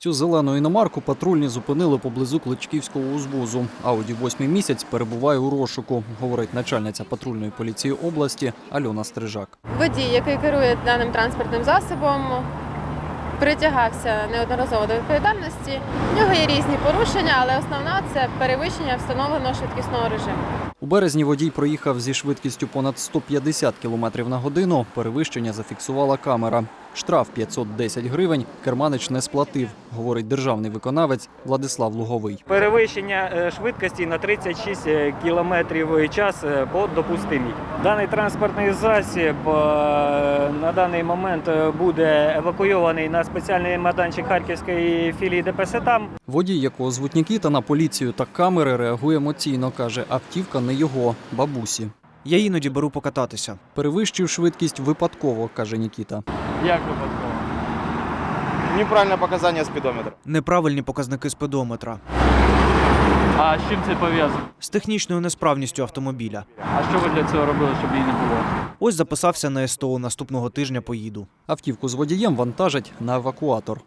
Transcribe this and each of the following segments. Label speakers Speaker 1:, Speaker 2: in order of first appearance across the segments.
Speaker 1: Цю зелену іномарку патрульні зупинили поблизу Кличківського узвозу. Ауді 8-й місяць перебуває у розшуку, говорить начальниця патрульної поліції області Альона Стрижак.
Speaker 2: Водій, який керує даним транспортним засобом, притягався неодноразово до відповідальності. В нього є різні порушення, але основна – це перевищення встановленого швидкісного режиму.
Speaker 1: У березні водій проїхав зі швидкістю понад 150 км на годину. Перевищення зафіксувала камера. Штраф 510 гривень керманич не сплатив, говорить державний виконавець Владислав Луговий.
Speaker 3: Перевищення швидкості на 36 км в час допустимі. Даний транспортний засіб на даний момент буде евакуйований на спеціальний майданчик Харківської філії ДПС там.
Speaker 1: Водій, якого звуть Нікіта, на поліцію та камери реагує емоційно, каже, автівка не його, бабусі.
Speaker 4: Я іноді беру покататися.
Speaker 1: Перевищив швидкість випадково, каже Нікіта.
Speaker 3: Як випадково?
Speaker 5: Неправильне показання спідометра.
Speaker 4: Неправильні показники спідометра.
Speaker 3: А з чим це пов'язано?
Speaker 4: З технічною несправністю автомобіля.
Speaker 3: А що ви для цього робили, щоб її не було?
Speaker 4: Ось записався на СТО, наступного тижня поїду.
Speaker 1: Автівку з водієм вантажать на евакуатор.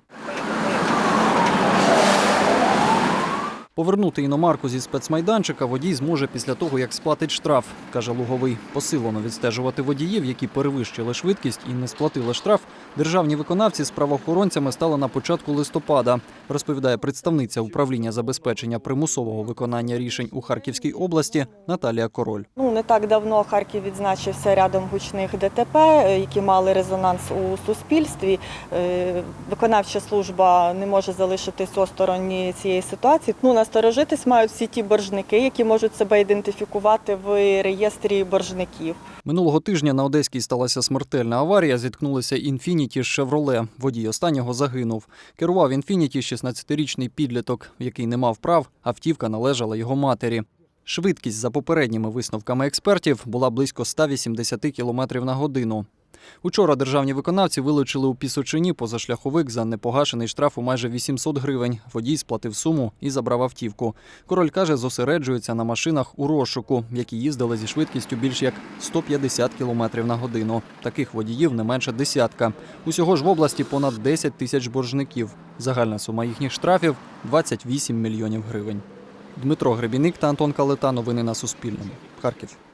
Speaker 1: Повернути іномарку зі спецмайданчика водій зможе після того, як сплатить штраф, каже Луговий. Посилено відстежувати водіїв, які перевищили швидкість і не сплатили штраф, державні виконавці з правоохоронцями стали на початку листопада, розповідає представниця управління забезпечення примусового виконання рішень у Харківській області Наталія Король.
Speaker 6: Не так давно Харків відзначився рядом гучних ДТП, які мали резонанс у суспільстві. Виконавча служба не може залишитись осторонь цієї ситуації. Насторожитись мають всі ті боржники, які можуть себе ідентифікувати в реєстрі боржників.
Speaker 1: Минулого тижня на Одеській сталася смертельна аварія. Зіткнулися «Інфініті» з «Шевроле». Водій останнього загинув. Керував «Інфініті» 16-річний підліток, який не мав прав, автівка належала його матері. Швидкість, за попередніми висновками експертів, була близько 180 км на годину. Учора державні виконавці вилучили у Пісочині позашляховик за непогашений штраф у майже 800 гривень. Водій сплатив суму і забрав автівку. Король каже, зосереджується на машинах у розшуку, які їздили зі швидкістю більш як 150 км на годину. Таких водіїв не менше десятка. Усього ж в області понад 10 тисяч боржників. Загальна сума їхніх штрафів – 28 мільйонів гривень. Дмитро Гребіник та Антон Калита. Новини на Суспільному. Харків.